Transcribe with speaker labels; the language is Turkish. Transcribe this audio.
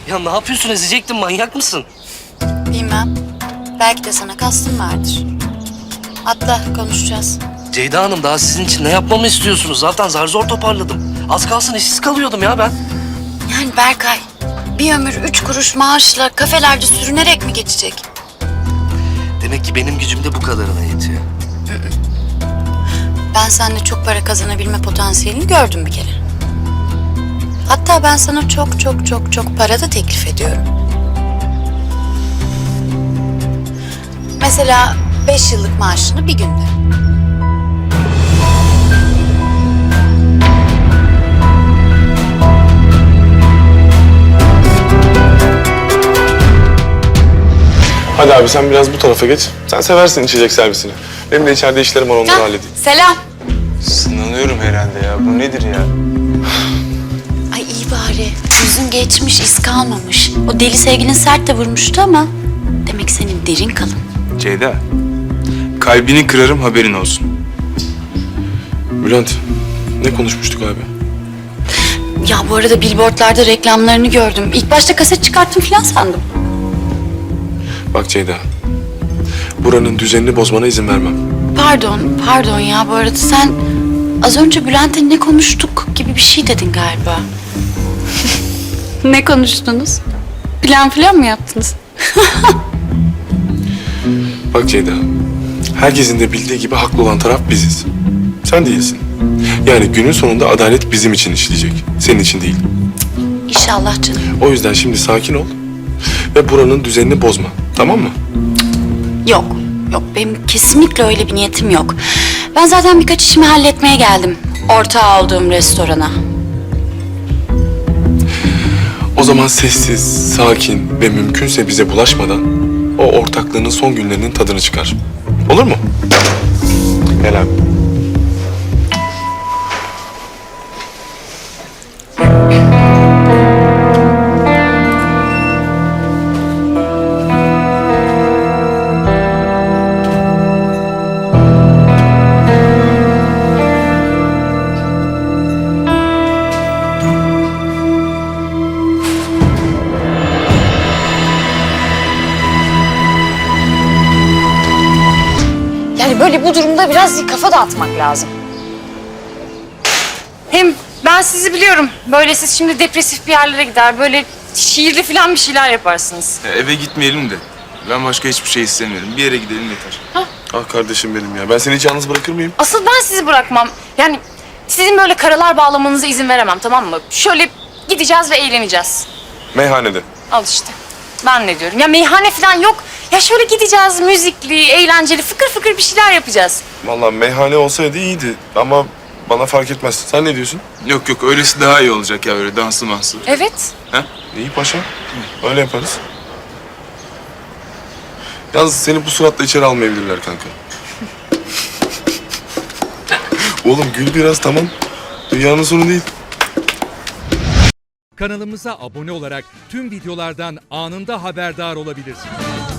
Speaker 1: Ya ne yapıyorsun, ezecektin, manyak mısın?
Speaker 2: Bilmem. Belki de sana kastım vardır. Atla, konuşacağız.
Speaker 1: Ceyda Hanım, daha sizin için ne yapmamı istiyorsunuz? Zaten zar zor toparladım. Az kalsın işsiz kalıyordum ya ben.
Speaker 2: Yani Berkay, bir ömür 3 kuruş maaşla kafelerde sürünerek mi geçecek?
Speaker 1: Demek ki benim gücüm de bu kadarına yetiyor.
Speaker 2: Ben seninle çok para kazanabilme potansiyelini gördüm bir kere. Hatta ben sana çok çok para da teklif ediyorum. Mesela 5 yıllık maaşını bir günde.
Speaker 3: Hadi abi sen biraz bu tarafa geç. Sen seversin içecek servisini. Benim de içeride işlerim var, onları halledeyim.
Speaker 2: Selam.
Speaker 3: Sınanıyorum herhalde ya. Bu nedir ya?
Speaker 2: Ay iyi bari. Yüzün geçmiş, iz kalmamış. O deli sevgilin sert de vurmuştu ama demek senin derin kalın.
Speaker 4: Ceyda, kalbini kırarım haberin olsun.
Speaker 3: Bülent, ne konuşmuştuk abi?
Speaker 2: Ya bu arada billboardlarda reklamlarını gördüm. İlk başta kaset çıkarttım falan sandım.
Speaker 3: Bak Ceyda, buranın düzenini bozmana izin vermem.
Speaker 2: Pardon ya bu arada sen az önce Bülent'le ne konuştuk gibi bir şey dedin galiba. Ne konuştunuz? Plan mı yaptınız?
Speaker 3: Bak Ceyda, herkesin de bildiği gibi haklı olan taraf biziz. Sen değilsin. Yani günün sonunda adalet bizim için işleyecek. Senin için değil.
Speaker 2: İnşallah canım.
Speaker 3: O yüzden şimdi sakin ol ve buranın düzenini bozma. Tamam mı?
Speaker 2: Yok benim kesinlikle öyle bir niyetim yok. Ben zaten birkaç işimi halletmeye geldim. Ortağı olduğum restorana.
Speaker 3: O zaman sessiz, sakin ve mümkünse bize bulaşmadan o ortaklığının son günlerinin tadını çıkar. Olur mu? Gel abi.
Speaker 5: Yani böyle bu durumda biraz kafa dağıtmak lazım. Hem ben sizi biliyorum. Böyle siz şimdi depresif bir yerlere gider. Böyle şiirli falan bir şeyler yaparsınız.
Speaker 4: Ya eve gitmeyelim de. Ben başka hiçbir şey istemiyorum. Bir yere gidelim yeter.
Speaker 3: Ah kardeşim benim ya. Ben seni hiç yalnız bırakır mıyım?
Speaker 5: Asıl ben sizi bırakmam. Yani sizin böyle karalar bağlamanıza izin veremem, tamam mı? Şöyle gideceğiz ve eğleneceğiz.
Speaker 3: Meyhanede.
Speaker 5: Al işte. Ben ne diyorum? Ya meyhane falan yok. Ya şöyle gideceğiz, müzikli, eğlenceli, fıkır fıkır bir şeyler yapacağız.
Speaker 3: Vallahi meyhane olsaydı iyiydi ama bana fark etmez. Sen ne diyorsun?
Speaker 4: Yok öylesi daha iyi olacak ya, öyle danslı manslı.
Speaker 5: Evet.
Speaker 3: İyi paşa. Öyle yaparız. Yalnız seni bu suratla içeri almayabilirler kanka. Oğlum gül biraz, tamam. Dünyanın sonu değil.
Speaker 6: Kanalımıza abone olarak tüm videolardan anında haberdar olabilirsiniz.